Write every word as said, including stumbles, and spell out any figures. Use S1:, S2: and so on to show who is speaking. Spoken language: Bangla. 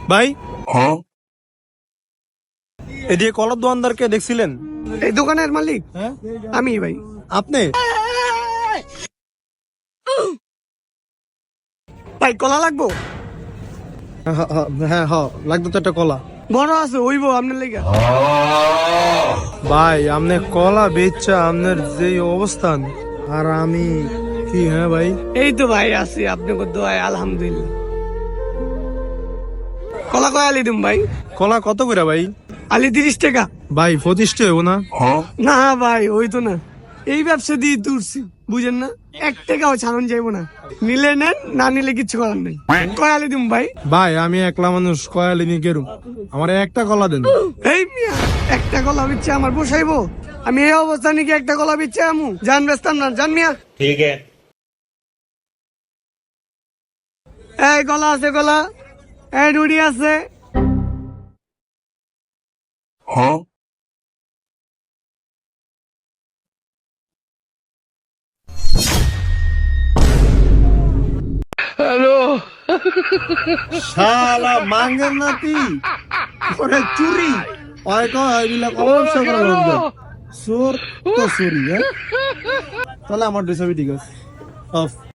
S1: ভাই
S2: হ্যাঁ
S1: এদিকে কলার দোকানদারকে দেখছিলেন?
S3: এই দোকানের মালিক
S1: হ্যাঁ
S3: আমি ভাই।
S1: আপনি?
S3: ভাই কলা লাগবো?
S1: হ্যাঁ হ্যাঁ হ্যাঁ লাগতো তো একটা কলা।
S3: বড় আছে ওইবো আপনার লেগে।
S1: ভাই আপনি কলা বেচা আপনার যে অবস্থান, আর আমি কি? হ্যাঁ ভাই
S3: এই তো ভাই আছি আপনাকে দোয়ায় আলহামদুলিল্লাহ। কলা কয় আলি দিম ভাই?
S1: কলা কত করে ভাই?
S3: আলি তিরিশ টাকা।
S1: ভাই পঁচিশটা হবো না?
S2: হ্যাঁ
S3: না ভাই ওই তো না, এই ব্যবসা দিয়ে তুলছি বুঝেন না, এক টাকাও ছাড়ন যাইবো না। নিলে নেন, না নিলে কিচ্ছু করার নেই। কয় আলি দিম ভাই?
S1: ভাই আমি একলা মানুষ, কয়ালি নিয়ে কেরুম, আমার একটা কলা দেন।
S3: এই মিয়া একটা কলা বিচ্ছে আমার বসাইবো? আমি এই অবস্থা নাকি একটা কলা বিচ্ছে আমু? জান বেচতাম না, জান মিয়া।
S2: ঠিক है
S3: এই কলা আছে কলা, এই রুড়ি আছে।
S2: হ্যাঁ
S1: শালা মাঙ্গের নাতি ওরে চুরি ওই কয় এগুলা কম ব্যবসা করা লাগবে। চোর তো চুরি। হ্যাঁ তাহলে আমার ডিসাবি ঠিক আছে অফ।